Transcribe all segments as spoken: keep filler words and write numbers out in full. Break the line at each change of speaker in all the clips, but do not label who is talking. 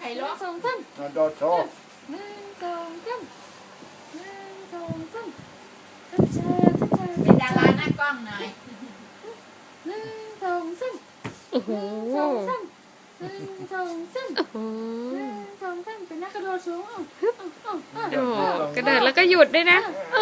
รล้อสองซ้ำ
โดดโชว์
หนึ่งสองซ้ำหนึ่งสองซ้ำชัดชัดชัดชัดเป็นดาราหน้ากล้องหน่อยหนึ่งสองซ้ำ
โอ้โห
สองซ้ำหนึ่งสองซ้ำ
โอ้โห
หนึ่งสองซ้ำเป็นนักกระโดดสูงอ่ะ
โอ้กระโดดแล้วก็หยุดด้วยนะโอ้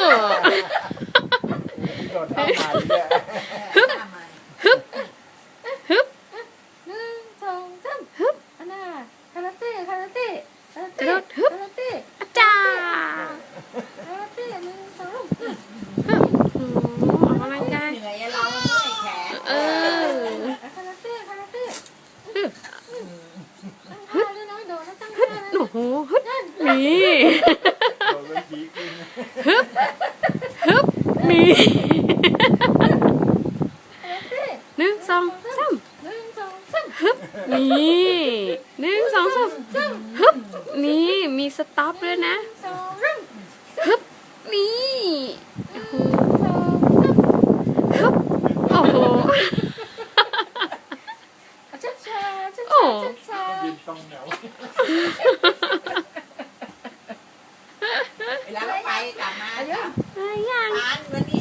โดดท่าใหม่เนี่ย
ฮึบฮึบฮึบ
หนึ่งสองซ้ำฮึบอันน่ะคาราเต้คาราเต้
กระโดดฮึบ
คาราเต้
อาจารย์
คาราเต้หนึ่งสอง
ฮึบโอ้ออกกำลังกาย
เหนื่อยเราเมื่อยแขน
เออ
คาราเต้คาราเต้
ฮึบ
ฮึบน้อยโดดแล้วตั้งท่านะ
โอ้โหฮึบนี่
โดดเป็นผีกิน
ฮึบฮึบนี่หนึ่งสองสาม
หนึ่งสองสาม
ฮึบนี่หนึ่งสองสามฮึบนี่มีสต็อปด้วยนะ
สองสาม
ฮึบนี่โอ้โห
สองสาม
ฮึบโอ้โห
ช้าช้าช้า
โอ้
ช้า
บินตรงเหนียว
เวลาเราไปกลับมา
อะไรยัง
ร้านวันนี้